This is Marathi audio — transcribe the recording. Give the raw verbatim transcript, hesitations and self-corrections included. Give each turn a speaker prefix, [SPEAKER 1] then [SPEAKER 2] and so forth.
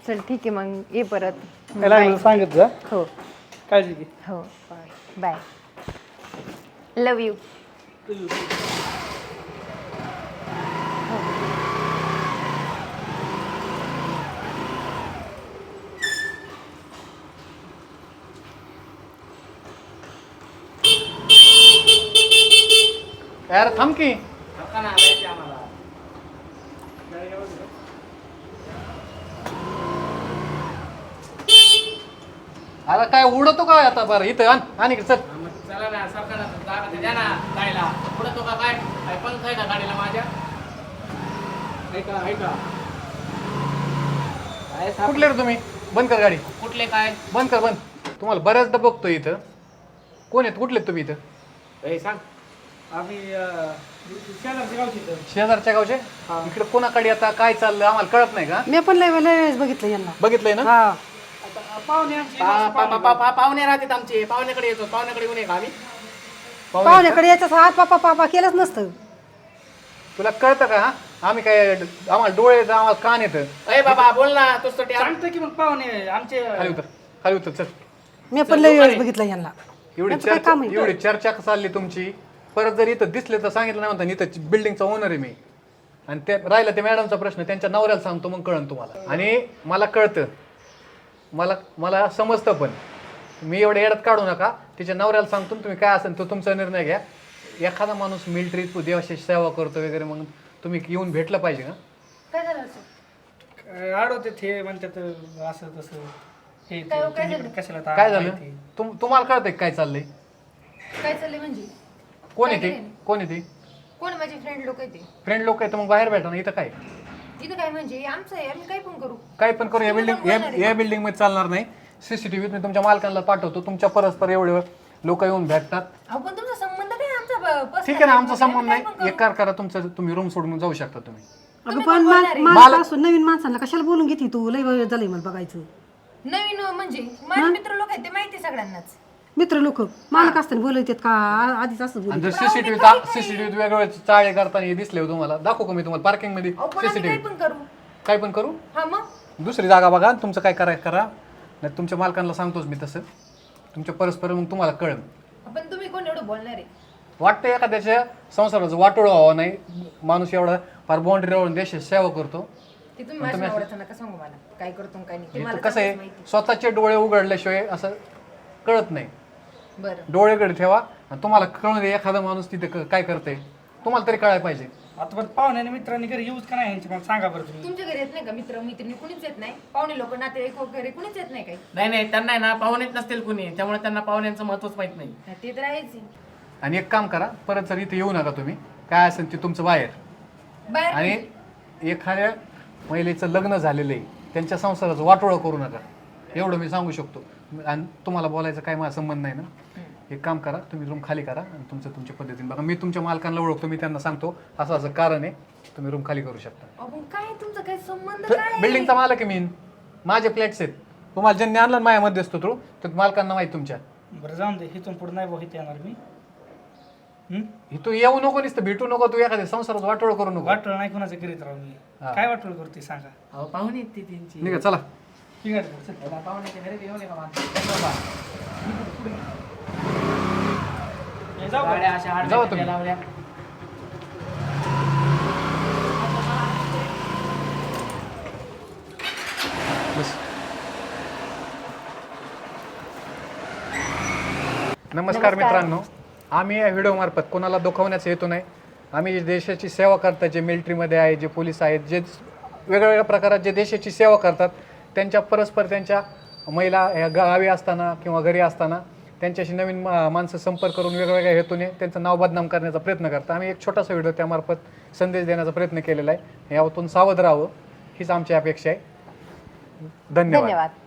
[SPEAKER 1] चल ठीक आहे मग ये परत.
[SPEAKER 2] काय लागलं सांगत जा.
[SPEAKER 1] हो
[SPEAKER 2] काळजी घे.
[SPEAKER 1] हो बाय. Love you.
[SPEAKER 2] यार थांब की. अरे काय उडतो काय आता बरं इथं आण आणि चल.
[SPEAKER 3] चला ना सरकार जागा द्या ना गाडीला पुढे तो का काय काय पंख आहे का गाडीला माझ्या ऐका ऐका काय साप-
[SPEAKER 2] कुठले रे तुम्ही? बंद कर गाडी.
[SPEAKER 3] कुठले काय
[SPEAKER 2] बंद कर बंद. तुम्हाला बऱ्याचदा बघतो इथं. कोण आहेत कुठले तुम्ही इथं?
[SPEAKER 3] ए सांग
[SPEAKER 4] आम्ही शेजारच्या गावची इथं.
[SPEAKER 2] शेजारच्या गावचे. इकडे कोणाकडे आता काय चाललं आम्हाला कळत नाही का?
[SPEAKER 5] मी पण लय लय वेळेस बघितलं यांना.
[SPEAKER 2] बघितलंय ना?
[SPEAKER 5] हा
[SPEAKER 4] पाहुणे आमचे
[SPEAKER 3] पा- पा- पा- पा- पा- पाहुणे राहतात आमचे पाहुण्याकडे येतो पाहुण्याकडे येऊन का आम्ही
[SPEAKER 2] पाहुणे
[SPEAKER 5] पाहुण्याकडे याच्याच हात पापा पापा केलंच नसतं.
[SPEAKER 2] तुला कळतं का? हा? आम्ही काय आम्हाला डोळे येतं आम्हाला कान येतं.
[SPEAKER 3] अरे बाबा बोल ना तोच तो
[SPEAKER 4] सांगतो की मग पाहुणे आमचे
[SPEAKER 2] खाली उतर खाली उतर चल.
[SPEAKER 5] मी पण लय वेळेस बघितलं यांना.
[SPEAKER 2] एवढी
[SPEAKER 5] यांचं काय
[SPEAKER 2] चर्चा
[SPEAKER 5] काम आहे?
[SPEAKER 2] एवढी चर्चा चालली तुमची. परत जर इथं दिसले तर सांगितलं नाही म्हणता इथं बिल्डिंगचा ओनर आहे मी. आणि ते राहिला ते मॅडमचा प्रश्न त्यांच्या नवऱ्याला सांगतो मग कळन तुम्हाला. आणि मला कळतं मला मला समजतं पण मी एवढं येड्यात काढू नका. तिच्या नवऱ्याला सांगतो तुम्ही काय असेल तो तुमचा निर्णय घ्या. एखादा माणूस मिलिटरीत देवाशी सेवा करतो वगैरे मग तुम्ही येऊन भेटलं पाहिजे ना.
[SPEAKER 1] काय झालं असं?
[SPEAKER 4] आडवते ते म्हणतात असं तसं हे ते,
[SPEAKER 1] काय- काय
[SPEAKER 4] तुम्ही
[SPEAKER 1] झालं?
[SPEAKER 4] पण कशाला ता-
[SPEAKER 2] काय झालं
[SPEAKER 4] माहिती.
[SPEAKER 2] तुम तुम्हाला कळतंय काय चाललंय?
[SPEAKER 1] काय चाललंय म्हणजे?
[SPEAKER 2] कोण
[SPEAKER 1] काय
[SPEAKER 2] येते
[SPEAKER 1] करेन?
[SPEAKER 2] कोण येते?
[SPEAKER 1] कोण माझे फ्रेंड लोक येते
[SPEAKER 2] फ्रेंड लोक आहेत तर मग बाहेर भेटा ना. इथं काय
[SPEAKER 1] इथं काय म्हणजे आमचं आहे आम्ही काय पण करू.
[SPEAKER 2] काय पण करू. या
[SPEAKER 1] तुम्ही
[SPEAKER 2] बिल्डिंग
[SPEAKER 1] पण बोलणार आहे
[SPEAKER 2] या बिल्डिंग मध्ये चालणार नाही. सीसीटीव्ही मी तुमच्या मालकांना पाठवतो. तुमच्या परस्पर एवढे लोक येऊन भेटतात.
[SPEAKER 1] अहो पण तुमचा संबंध काय आमचा ब- personal
[SPEAKER 2] ठीक आहे ना आमचा
[SPEAKER 1] आहे.
[SPEAKER 2] संबंध
[SPEAKER 1] आम्ही काय
[SPEAKER 2] नाही.
[SPEAKER 1] पण करू.
[SPEAKER 2] एक कार करा तुमचं तुम्ही रूम सोडून जाऊ शकता तुम्ही.
[SPEAKER 5] अगं
[SPEAKER 1] तुम्ही
[SPEAKER 5] पण
[SPEAKER 1] कोण बोलणार आहे?
[SPEAKER 5] मला असून नवीन माणसांना कशाला बोलून घेते तू? लय वेळ झालंय मला बघायचं.
[SPEAKER 1] नवीन म्हणजे माझे मित्र लोक आहेत ते माहिती आहे सगळ्यांनाच.
[SPEAKER 5] मित्र लोक मालक असताना बोलत का आ- आधीच असं
[SPEAKER 2] आणि
[SPEAKER 5] बोलत.
[SPEAKER 2] जर सीसीटीव्ही सीसीटीव्ही वेगवेगळे चाळे करताना हे दिसले हो तुम्हाला दाखवू का मी तुम्हाला पार्किंग मध्ये
[SPEAKER 1] अहो पण आम्ही काय
[SPEAKER 2] सीसीटीव्ही
[SPEAKER 1] पण करू.
[SPEAKER 2] काय पण करू.
[SPEAKER 1] हा मग
[SPEAKER 2] दुसरी जागा बघा आणि तुमचं काय करायचं करा. नाही तुमच्या मालकांना सांगतोच मी तसं. तुमच्या परस्पर मग तुम्हाला कळेल.
[SPEAKER 1] पण तुम्ही कोण एवढं बोलणार आहे?
[SPEAKER 2] वाटतं एखाद्याच्या संसाराचं वाटोळं व्हावं नाही. माणूस एवढा फार बाउंड्री राहून देशाची सेवा करतो.
[SPEAKER 1] ते तुम्ही माझ्या आवडतं नका सांगू मला काय करतो आणि काय नाही. ते
[SPEAKER 2] हे
[SPEAKER 1] मला
[SPEAKER 2] तर कसं
[SPEAKER 1] चांगलंच
[SPEAKER 2] आहे
[SPEAKER 1] माहिती.
[SPEAKER 2] स्वतःचे डोळे उघडल्याशिवाय असं कळत नाही.
[SPEAKER 1] बरं
[SPEAKER 2] डोळेकडे ठेवा आणि तुम्हाला कळून दे एखादा माणूस तिथे क- काय करते तुम्हाला तरी कळायला पाहिजे.
[SPEAKER 4] आता पण पाहुण्याने मित्रांनी घरी यूज का नाही यांची मला सांगा बरं तुम्ही.
[SPEAKER 1] तुमच्या घरी येत नाही का मित्र मैत्रिणी कुणीच येत नाही? पाहुणे लोक नातेवाईक वगैरे कुणीच येत नाही काही?
[SPEAKER 3] नाही नाही त्यांना आहे ना पाहुणेच नसतील कुणी त्यामुळे त्यांना पाहुण्यांचं महत्वच माहित नाही
[SPEAKER 1] हा, ते तर आहेच.
[SPEAKER 2] आणि एक काम करा परत जर इथे येऊ नका तुम्ही. काय असेल ते तुमचं बाहेर.
[SPEAKER 1] बाहेर
[SPEAKER 2] आणि
[SPEAKER 1] म्हणजे?
[SPEAKER 2] एखाद्या महिलेचं लग्न झालेलं आहे त्यांच्या संसाराचं वाटोळं करू नका. एवढं मी सांगू शकतो. आणि तुम्हाला बोलायचं काय माझा संबंध नाही ना. एक काम करा तुम्ही रूम खाली करा आणि तुमचं तुमच्या पद्धतीने बघा. मी तुमच्या मालकांना ओळखतो. मी त्यांना सांगतो असं असं कारण आहे तुम्ही रूम खाली करू शकता.
[SPEAKER 1] अहो, काय तुमचा काय संबंध काय?
[SPEAKER 2] बिल्डिंगचा मालक आहे मी. माझे फ्लॅट्स आहेत. तुम्हाला ज्यांनी आणलं माझ्यामध्ये असतो तो तर मालकांना माहिती तुमच्या.
[SPEAKER 4] बरं जाऊन दे इथून पुढे नाही भाऊ इथे येणार मी. हम्म?
[SPEAKER 2] तू येऊ नको नुसतं भेटू नको. तू एखाद्या संसारात वाटोळ करू नको.
[SPEAKER 4] वाटोळ नाही कोणाचं करीत राहू मी.
[SPEAKER 2] हा.
[SPEAKER 4] काय वाटोळ करते सांगा.
[SPEAKER 3] अहो पाहुणे आहेत ती त्यांची
[SPEAKER 2] निघा चला.
[SPEAKER 4] ठीक आहे बरं, चल.
[SPEAKER 3] त्याला पाहुण्याच्या घरी येऊ नका माणसं.
[SPEAKER 4] हे जाऊ का?
[SPEAKER 3] गाड्या अशा
[SPEAKER 2] जाऊ
[SPEAKER 3] आडव्या
[SPEAKER 2] तुम्ही.
[SPEAKER 3] लावल्या
[SPEAKER 2] बस. नमस्कार मित्रांनो. आम्ही या व्हिडिओमार्फत कोणाला दुखवण्याचा हेतू नाही. आम्ही जे देशाची सेवा करतात जे मिलिटरीमध्ये आहे जे पोलीस आहेत जे वेगवेगळ्या प्रकारात जे देशाची सेवा करतात त्यांच्या परस्पर त्यांच्या महिला ह्या गावी असताना किंवा घरी असताना त्यांच्याशी नवीन मा माणसं संपर्क करून वेगवेगळ्या हेतूने त्यांचं नाव बदनाम करण्याचा प्रयत्न करतात. आम्ही एक छोटासा व्हिडिओ त्यामार्फत संदेश देण्याचा प्रयत्न केलेला आहे. यातून सावध राहावं हीच आमची अपेक्षा आहे. धन्यवाद.
[SPEAKER 1] धन्यवाद.